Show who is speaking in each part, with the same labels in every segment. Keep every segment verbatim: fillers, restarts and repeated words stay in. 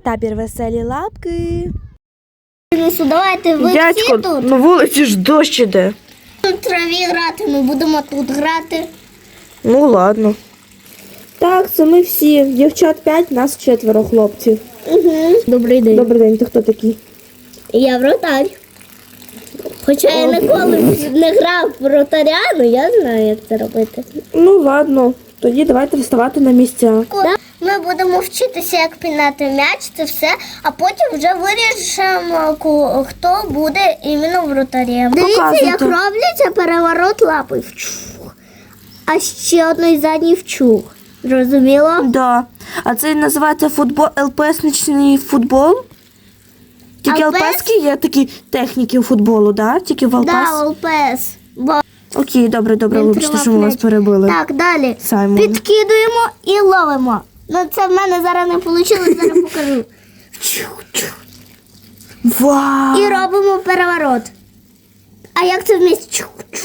Speaker 1: Табір веселі лапки.
Speaker 2: Ну, давайте ви
Speaker 3: Дядько,
Speaker 2: всі тут.
Speaker 3: на вулиці ж дощ іде.
Speaker 2: В траві грати, ми будемо тут грати.
Speaker 3: Ну ладно. Так, це ми всі. Дівчат п'ять, нас четверо хлопців.
Speaker 2: Угу. Добрий день.
Speaker 3: Добрий день, ти хто такий?
Speaker 2: Я вратар. Хоча я ніколи не грав в вратаря, але я знаю, як це робити.
Speaker 3: Ну ладно, тоді давайте вставати на місця.
Speaker 2: Ми будемо вчитися, як пінати м'яч, це все, а потім вже вирішимо, ку- хто буде іменно вратарем. Дивіться,
Speaker 3: Показуйте.
Speaker 2: як робляться переворот лапи. Вчух. А ще одної задній вчух. Зрозуміло?
Speaker 3: Да. А це називається футбол, ЛПСничний футбол? Тільки
Speaker 2: ЛПС?
Speaker 3: ЛПСки є такі техніки у футболу, да? Тільки в ЛПС?
Speaker 2: Да, ЛПС. Бо
Speaker 3: Окей, добре, добре,
Speaker 2: він
Speaker 3: вибачте,
Speaker 2: тримав
Speaker 3: що ми вас
Speaker 2: м'яч.
Speaker 3: перебили.
Speaker 2: Так, далі.
Speaker 3: Саймон.
Speaker 2: Підкидуємо і ловимо. Ну це в мене зараз не вийшло, зараз покажу.
Speaker 3: Вау!
Speaker 2: І робимо переворот. А як це вмісті?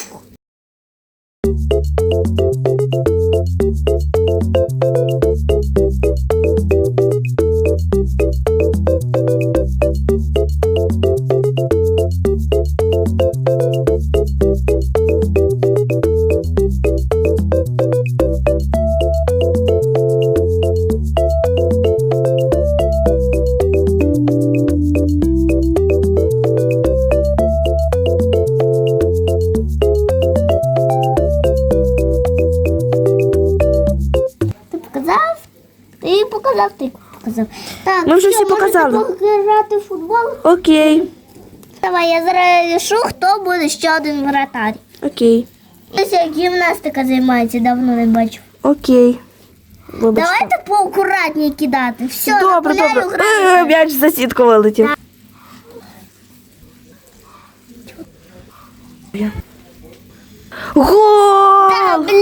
Speaker 2: Ти показав? Ти показав, ти показав. Так,
Speaker 3: Ми вже
Speaker 2: що,
Speaker 3: всі показали.
Speaker 2: можете пограти в футбол?
Speaker 3: Окей,
Speaker 2: Давай, я зараз рішу, хто буде ще один вратар.
Speaker 3: окей,
Speaker 2: Ось як гімнастика займається, давно не бачив.
Speaker 3: окей. Вибачте.
Speaker 2: Давайте поакуратніше кидати. Все,
Speaker 3: Добре,
Speaker 2: на поляну
Speaker 3: добре. Е,
Speaker 2: граємо.
Speaker 3: М'яч за сітку вилетів. Гол!
Speaker 2: Та, блін,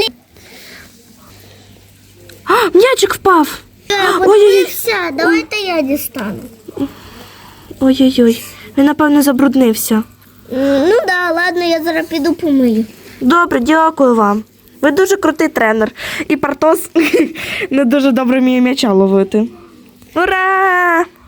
Speaker 3: А, м'ячик впав. Ой-ой-ой.
Speaker 2: подивився. Давайте я дістану.
Speaker 3: Ой-ой-ой. Він, напевно, забруднився.
Speaker 2: М, Ну да, ладно, я зараз піду помию.
Speaker 3: Добре, дякую вам. Ви дуже крутий тренер. І Партос не дуже добре вміє м'яча ловити. Ура!